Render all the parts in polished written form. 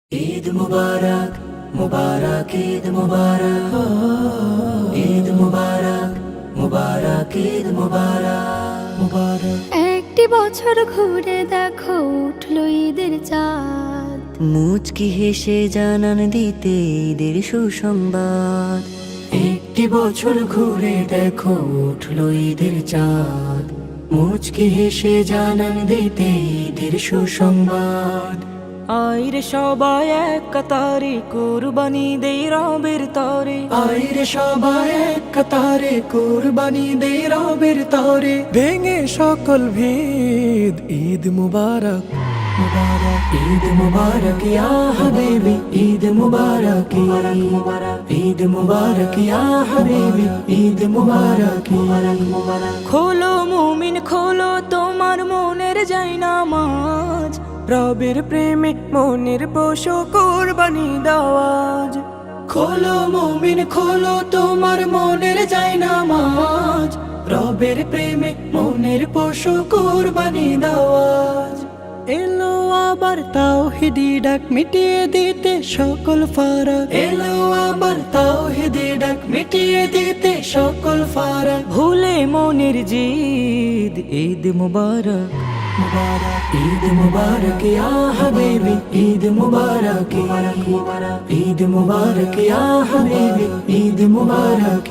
ঈদ মুবারক মুবারক ঈদ মুবারক ঈদ মুবারক মুবারক ঈদ মুবারক মুবারক। একটি বছর ঘুরে দেখো উঠলো ঈদের চাঁদ, মুচকি হেসে জানান দিতে ঈদের সুসংবাদ। একটি বছর ঘুরে দেখো উঠলো ঈদের চাঁদ, মুচকি হেসে জানান দিতে ঈদের সুসংবাদ। আইরে সবাই এক কাতারে কুরবানি দেই রবের তরে, আইরে সবাই এক কাতারে কুরবানি দে রবের তরে। ভেঙে সকল ভেদ ঈদ মুবারক মুবারক ঈদ মুবারক ইয়া হাবিবি, ঈদ মুবারক ঈদ মুবারক ইয়া হাবিবি, ঈদ মুবারক মুবারক। খোলো মুমিন খোলো তোমার মনের জায়নামাজ, রবের প্রেমে মনের পশু কুরবানি দাওয়াজ। খোলো মুমিন খোলো তোমার মনের জায়নামাজ, রবের প্রেমে মনের পশু কুরবানি দাওয়াজ। এলো আবার তাওহীদি ডাক মিটিয়ে দিতে সকল ফারাক, এলো আবার তাওহীদি ডাক মিটিয়ে দিতে সকল ফারাক। ভুলে মনের জিদ ঈদ মুবারক মুবারক ঈদ মুবারক ইয়া হাবিবি, ঈদ মুবারক ঈদ মুবারক ইয়া হাবিবি, ঈদ মুবারক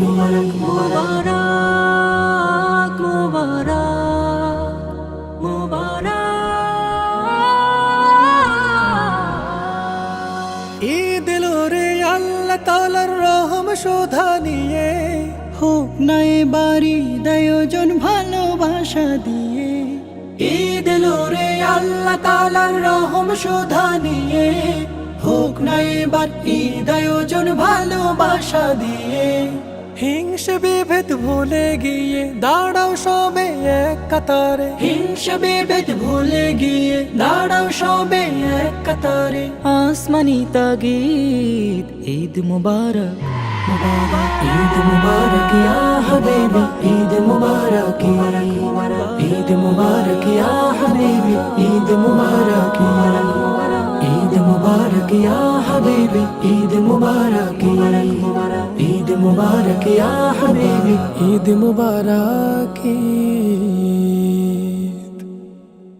মুবারক মুবারক মুবারক। ঈদ এলো রে আল্লাহ তাআলার রহম শোধা নিয়ে, হোক না এবারি আয়োজন ভালোবাসা দিয়ে। ঈদ এলো রে আল্লাহ তাআলার রহম শোধা নিয়ে, হোক না এবার ঈদ আয়োজন ভালোবাসা দিয়ে। হিংসে বিভেদ ভুলে গিয়ে দাঁড়াও সবে এক কাতারে, হিংসা বিভেদ ভুলে গিয়ে দাঁড়াও সবে এক কাতারে। আসমানি তাগীদ ঈদ মুবারক ঈদ মুবারক ইয়া হাবিবি, ঈদ মুবারক ঈদ মুবারক ইয়া হাবিবি, ঈদ মুবারক ঈদ মুবারক ইয়া হাবিবি, ঈদ মুবারক ঈদ মুবারক ইয়া হাবিবি, ঈদ মুবারক।